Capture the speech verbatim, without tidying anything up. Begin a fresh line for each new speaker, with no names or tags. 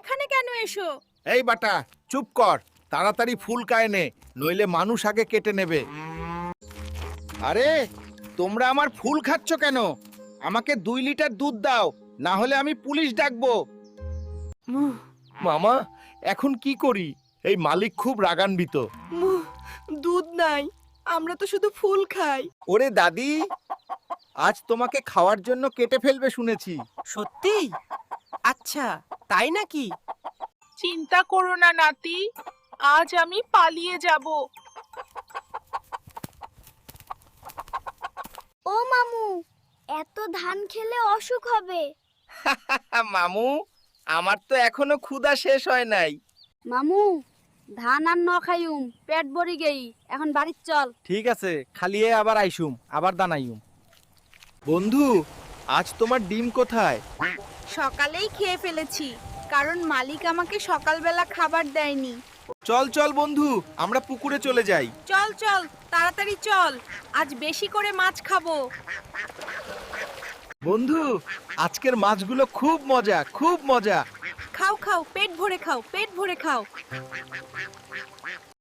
এখানে কেন এসো?
এই বাটা, চুপ কর। তাড়াতাড়ি ফুল কায় নে, নইলে মানুষ আগে কেটে নেবে। আরে, তোমরা আমার ফুল খাচ্ছ কেন? আমাকে দুই লিটার দুধ দাও, না হলে আমি পুলিশ ডাকবো। মামা, এখন কি করি? এই মালিক খুব রাগান্বিত।
দুধ নাই, আমরা তো শুধু ফুল খাই।
ওরে দাদি, আজ তোমাকে খাওয়ার জন্য কেটে ফেলবে শুনেছি।
সত্যি? আচ্ছা, তাই নাকি?
চিন্তা করো না নাতি, আজ আমি পালিয়ে যাব।
ও মামু, এত ধান খেলে অসুখ হবে।
মামু, আমার তো এখনো ক্ষুধা শেষ হয় নাই।
মামু, ধান আর ন খাইউম, পেট ভরি গেই, এখন বাড়ির চল।
ঠিক আছে, খালিয়ে আবার আইসুম, আবার দানাইউম।
বন্ধু, আজ তোমার ডিম কোথায়?
সকালেই খেয়ে ফেলেছি, কারণ মালিক আমাকে সকালবেলা খাবার দেয়নি।
চল চল বন্ধু, আমরা পুকুরে চলে যাই।
চল চল, তাড়াতাড়ি চল, আজ বেশি করে মাছ খাবো।
বন্ধু, আজকের মাছগুলো খুব মজা, খুব মজা।
খাও খাও, পেট ভরে খাও, পেট ভরে খাও।